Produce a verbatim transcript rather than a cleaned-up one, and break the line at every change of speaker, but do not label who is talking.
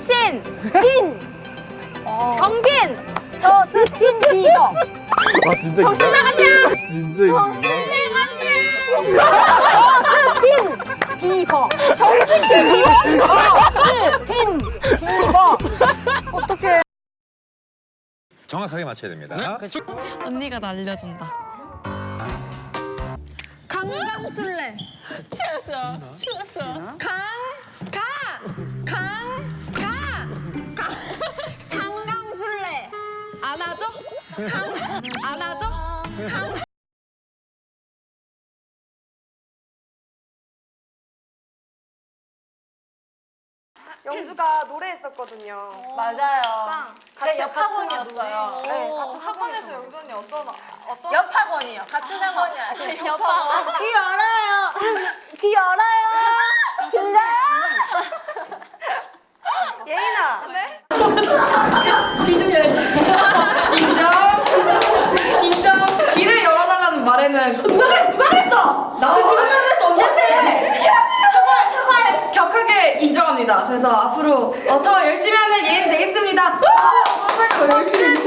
정신! 딘! 정빈!
저스틴 비버.
아 진짜
정신
있나?
나갔냐?
진짜 있나?
저스틴 비버. 정신 비버. 저스틴 비버. 어떡해.
정확하게 맞춰야 됩니다.
언니가 나 알려준다. 강강술래. 추웠어. 추웠어. 강, 가, 강, 가, 강, 강강술래. 안아줘? 강, 안아줘? 강.
영주가 노래했었거든요.
맞아요.
같이
제 옆학원이었어요.
네, 같은
학원에서 영주 언니 어떤 어떤
옆학원이요. 같은 학원이 아니에요.
옆학원?
귀 열어요. 귀 열어요. 들려요?
예인아.
네?
인정. 귀를 열어달라는 말에는
누가 그랬어? 누가 그랬어?
나도
그런 말을 했어. 언니한테. 사과해, 사과해.
격하게 인정합니다. 그래서 앞으로 어, 더 열심히 하는 예인 되겠습니다. 어, 열심히